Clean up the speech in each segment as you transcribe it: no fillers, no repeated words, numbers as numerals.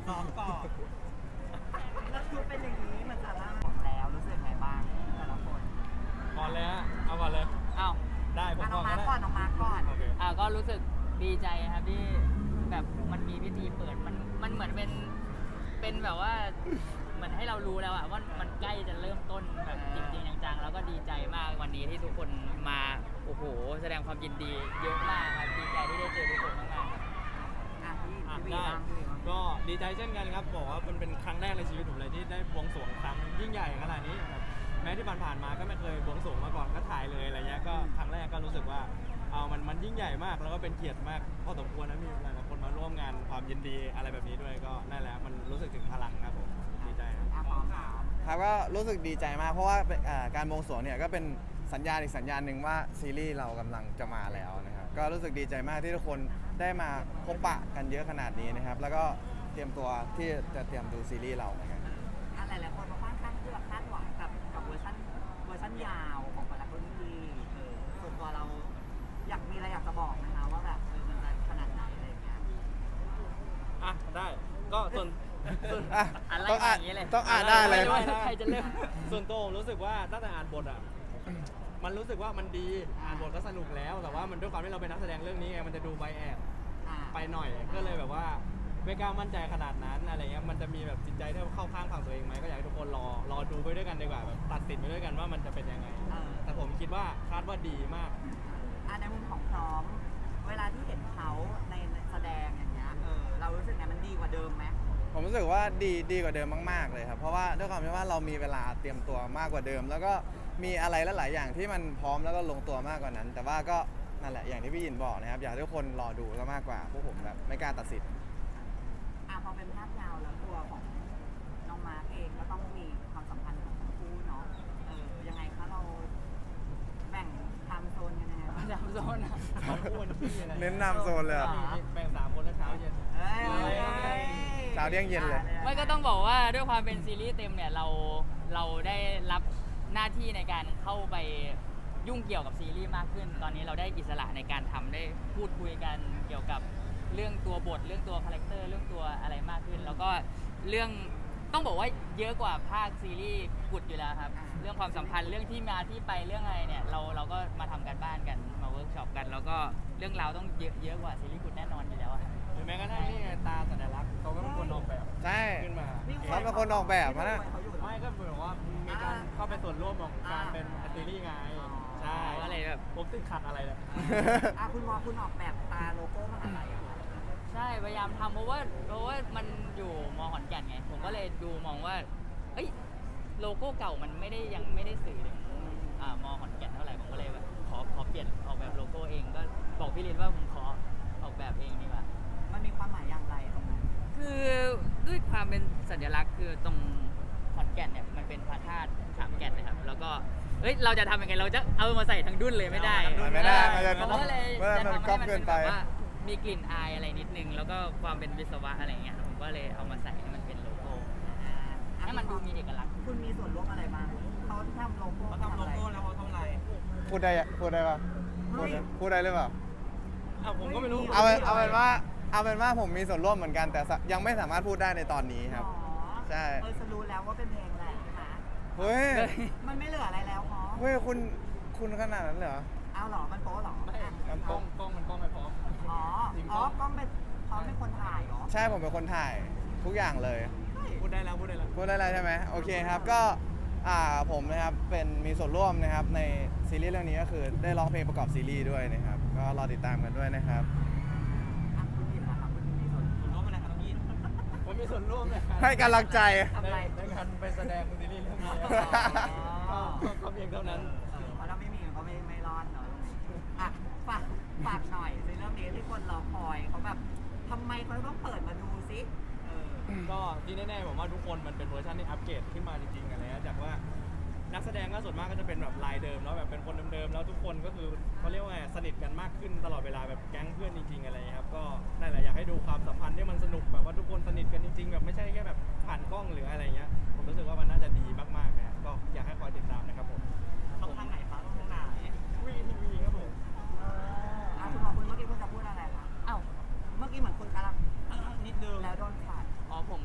ซ้อมก่อนแล้วคือเป็นอย่างนี้มันจะล่าของแล้วรู้สึกไงบ้างแต่ละคนก่อนเลยฮะเอาก่อนเลยอ้าวได้ผมน้ก่ออง นมาก็ร์ได้คก่อนน้องมาร์คก่อนโอเคก็รู้สึกดีใจครับที่แบบมันมีพิธีเปิดมันเหมือนเป็นแบบว่าเหมือนให้เรารู้แล้วอะว่ามันใกล้จะเริ่มต้นแบบจริงๆจังๆแล้วก็ดีใจมากวันนี้ที่ทุกคนมาโอ้โหแสดงความยินดีเยอะมากครับดีใจที่ได้เจอทุกคนมากๆครับอ่ะพี่อ่ะวีได้บ้างพี่วีบ้างก็ดีใจเช่นกันครับบอกว่ามันเป็นครั้งแรกในชีวิตผมเลยที่ได้บวงสรวงครั้งยิ่งใหญ่ขนาดนี้ครับแม้ที่ผ่านๆมาก็ไม่เคยบวงสรวงมาก่อนก็ถ่ายเลยอะไรเงี้ยก็ครั้งแรกก็รู้สึกว่ามันยิ่งใหญ่มากแล้วก็เป็นเกียรติมากพอสมควรนะมีหลายๆคนมาร่วมงานความยินดีอะไรแบบนี้ด้วยก็นั่นแหละมันรู้สึกถึงพลังครับผมดีใจครับอ่ะพร้อมครับครับก็รู้สึกดีใจมากเพราะว่าการบวงสรวงเนี่ยก็เป็นสัญญาณอีกสัญญาณหนึ่งว่าซีรีส์เรากำลังจะมาแล้วนะครับก็รู้สึกดีใจมากที่ทุกคนได้มาพบปะกันเยอะขนาดนี้นะครับแล้วก็เตรียมตัวที่จะเตรียมดูซีรีส์เราเหมือนกันอ่ะหลายๆคนมาค่อนข้างที่แบบคาดหวังกับเวอร์ชันยาวของแต่ละคนที่ส่วนตัวเราอยากมีอะไรอยากจะบอกนะคะว่าแบบมันจะขนาดไหนอะไรอย่างเงี้ยอ่ะได้ก็ส่วนอ่ะอะไรต้องอ่านอย่างนี้เลยต้องอ่านได้เลยไม่รู้ว่าใครจะเริ่มส่วนตัวผมรู้สึกว่าตั้งแต่อ่านบทอ่ะมันรู้สึกว่ามันดีอ่านบทก็สนุกแล้วแต่ว่ามันด้วยความที่เราเป็นนักแสดงเรื่องนี้ไงมันจะดูใบแอบอ่ะไปหน่อยก็เลยแบบว่าไม่กล้ามั่นใจขนาดนั้นอะไรเงี้ยมันจะมีแบบจิตใจที่เข้าข้างฝั่งตัวเองไหมก็อยากให้ทุกคนรอดูไปด้วยกันดีกว่าแบบตัดสินไปด้วยกันว่ามันจะเป็นยังไง แต่ผมคิดว่าคาดว่าดีมากในมุมของพร้อม เวลาที่เห็นเขาในแสดงอย่างเงี้ยเรารู้สึกไงมันดีกว่าเดิมไหมผมรู้สึกว่าดีกว่าเดิมมากๆเลยครับเพราะว่าด้วยความที่ว่าเรามีเวลาเตรียมตัวมากกว่าเดิม แล้วก็มีอะไรหลายๆอย่างที่มันพร้อมแล้วก็ลงตัวมากกว่านั้น แต่ว่าก็นั่นแหละอย่างที่พี่ยินบอกนะครับอยากให้ทุกคนรอดูซะมากกว่าพวกผมแบบไม่กล้าตัดสินพอเป็นภาพยาวแล้วตัวของน้องมาร์คเองก็ต้องมีความสัมพันธ์ของทั้งคู่เนาะยังไงคะเราแบ่งไทม์โซนกันยังไงบ้างจำโซนอะอ้วนพี่อะไรเน้นนำโซนเลยอะมีแบ่ง3 คนแล้วเช้าเย็นเอ้ยเช้าเที่ยงเย็นเลยไม่ก็ต้องบอกว่าด้วยความเป็นซีรีส์เต็มเนี่ยเราได้รับหน้าที่ในการเข้าไปยุ่งเกี่ยวกับซีรีส์มากขึ้น ตอนนี้เราได้อิสระในการทำได้พูดคุยกันเกี่ยวกับเรื่องตัวบทเรื่องตัวคาแรคเตอร์เรื่องตัวอะไรมากขึ้น แล้วก็เรื่องต้องบอกว่าเยอะกว่าภาคซีรีส์กุดอยู่แล้วครับเรื่องความสัมพันธ์เรื่องที่มาที่ไปเรื่องอะไรเนี่ยเราก็มาทำกันบ้านกันมาเวิร์กช็อปกัน แล้วก็เรื่องราวต้องเยอะกว่าซีรีส์กุดแน่นอนอยู่แล้วอะหรือแม้กระทั่งนี่ไงตาสัญลักษณ์เขาก็เป็นคนออกแบบใช่ขึ้นมาเขาเป็นคนออกแบบนะไม่ก็เหมือนว่ามีการเข้าไปส่วนร่วมของการเป็นซีรีส์ไงใช่ก็เลยแบบผมติดขัดอะไรเนี่ยคุณออกแบบตาโลโก้มหาลัยเหรอใช่พยายามทำเพราะว่ามันอยู่มอขอนแก่นไงผมก็เลยดูมองว่าเอ้ยโลโก้เก่ามันยังไม่ได้สื่อถึงมอขอนแก่นเท่าไหร่ผมก็เลยแบบขอเปลี่ยนออกแบบโลโก้เองก็บอกพี่ลินว่าผมขอออกแบบเองดีกว่ามันมีความหมายอย่างไรตรงนั้นคือด้วยความเป็นสัญลักษณ์คือตรงขอนแก่นเนี่ยมันเป็นพระธาตุสามแก่นเลยครับแล้วก็เฮ้ยเราจะทำยังไงเราจะเอามาใส่ทั้งดุ้นเลยไม่ได้ไม่ได้มันจะผมก็เลยมันจะก๊ทำอปให้มันเกิเป็น นไปแบบว่ามีกลิ่นอายอะไรนิดนึงแล้วก็ความเป็นวิศวะอะไรเงี้ยผมก็เลยเอามาใส่ให้มันเป็นโลโก้ให้มันดูมีเอกลักษณ์คุณมีส่วนร่วมอะไรบ้างเขาทำโลโก้เขาทำโลโก้แล้วเขาทำอะไรพูดได้ปะพูดได้หรือเปล่าผมก็ไม่รู้เอาเป็นว่าผมมีส่วนร่วมเหมือนกันแต่ยังไม่สามารถพูดได้ในตอนนี้ครับ ใช่จะรู้แล้วว่าเป็นเพลงอะไรใช่ไหมเฮ้ยมันไม่เหลืออะไรแล้วพอเฮ้ยคุณขนาดนั้นเลยเหรอเอาหรอมันโป๊หรอไม่มันกล้องมันกล้องไม่พร้อมกล้องเป็นพร้อมเป็นคนถ่ายเหรอใช่ผมเป็นคนถ่ายทุกอย่างเลยพูดได้แล้วพูดได้แล้วใช่ไหมโอเคครับก็ผมนะครับมีส่วนร่วมนะครับในซีรีส์เรื่องนี้ก็คือได้ร้องเพลงประกอบซีรีส์ด้วยนะครับก็รอติดตามกันด้วยนะครับคุณยินนะครับคุณมีส่วนร่วมอะไรครับพี่ผมมีส่วนร่วมในการให้กำลังใจในการไปแสดงซีรีส์เรื่องนี้ก็เพียงเท่านั้นเพราะถ้าไม่มีก็ไม่รอดเนาะฝากหน่อยในเรื่องนี้ที่คนรอคอยเขาแบบทำไมเขาต้องเปิดมาดูซิก็ที่แน่ๆผมว่าทุกคนมันเป็นเวอร์ชันที่อัปเกรดขึ้นมาจริงๆอะไรนะจากว่านักแสดงก็ส่วนมากก็จะเป็นแบบลายเดิมแล้วแบบเป็นคนเดิมๆแล้วทุกคนก็คือเขาเรียกว่าสนิทกันมากขึ้นตลอดเวลาแบบแก๊งเพื่อนจริงๆอะไรครับก็นั่นแหละอยากให้ดูความสัมพันธ์ที่มันสนุกแบบว่าทุกคนสนิทกันจริงๆแบบไม่ใช่แค่แบบผ่านกล้องหรืออะไรเงี้ยผมรู้สึกว่ามันน่าจะดีมากๆนะก็อยากให้คอยติดตามนะครับผมต้องทางไหนคะต้องทางไหนวีทีวีครับผมคุณบอกคุณเมื่อกี้คุณจะพูดอะไรคะอ้าวเมื่อกี้เหมือนคุณกำลังนิดนึงแล้วโดนขาดอ๋อผม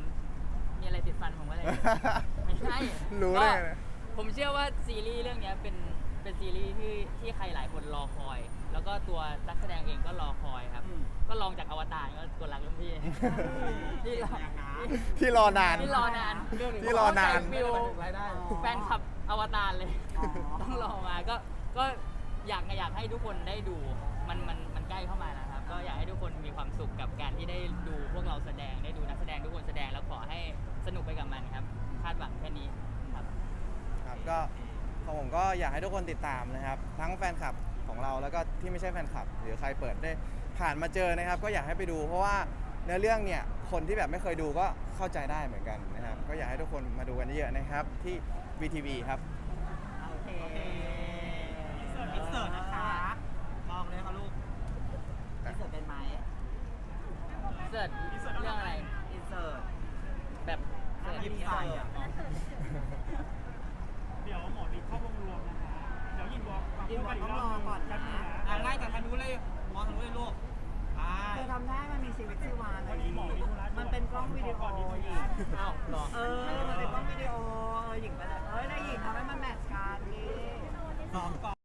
ไม่ใช่รู้ได้ไงก็ผมเชื่อว่าซีรีส์เรื่องเนี้ยเป็นซีรีส์ที่ใครหลายคนรอคอย แล้วก็ตัวนักแสดงเองก็รอคอยครับ ก็ลองจากอวตารก็กดรักรุ่นพี่ ที่รอที่รอนานที่รอนานที่รอนานฟิลรายได้แฟนคลับอวตารเลยอ๋อต้องรอมาก็อยากให้ทุกคนได้ดูมันใกล้เข้ามาแล้วครับ ก็อยากให้ทุกคนมีความสุขกับการที่ได้ดูพวกเราแสดงได้ดูนักแสดงทุกคนแสดงแล้วขอให้สนุกไปกับมันครับ คาดหวังแค่นี้ครับครับก็ของผมก็อยากให้ทุกคนติดตามนะครับ ทั้งแฟนคลับของเราแล้วก็ที่ไม่ใช่แฟนคลับ หรือใครเปิดได้ผ่านมาเจอนะครับ ก็อยากให้ไปดู เพราะว่าในเรื่องเนี่ยคนที่แบบไม่เคยดูก็เข้าใจได้เหมือนกันนะครับ ก็อยากให้ทุกคนมาดูกันเยอะๆนะครับที่ VTV ครับโอเคอินเสิร์ตนะคะ มองเลยค่ะลูกอินเสิร์ตเป็นไหมเสิร์ชเรื่องอะไรอินเสิร์ตแบบเสิร์ชยิ้มใส่อะเดี๋ยวหมอรีเข้าวงรวมนะคะ เดี๋ยวยินบอกยินก่อนต้องรอก่อนนะไล่จากทางนู้นเลยมองทางนู้นเลยลูกไปเธอทำได้มันมีชีวิตชีวาเลวันยนี้หมอมีธุระมันเป็นกล้องวิดีโอหญิงอ้าวเหรอมันเป็นกล้องวิดีโอหญิงไปเลยเอ้ยนายหญิงทำให้มันแมทช์กันดิซ้อมก่อน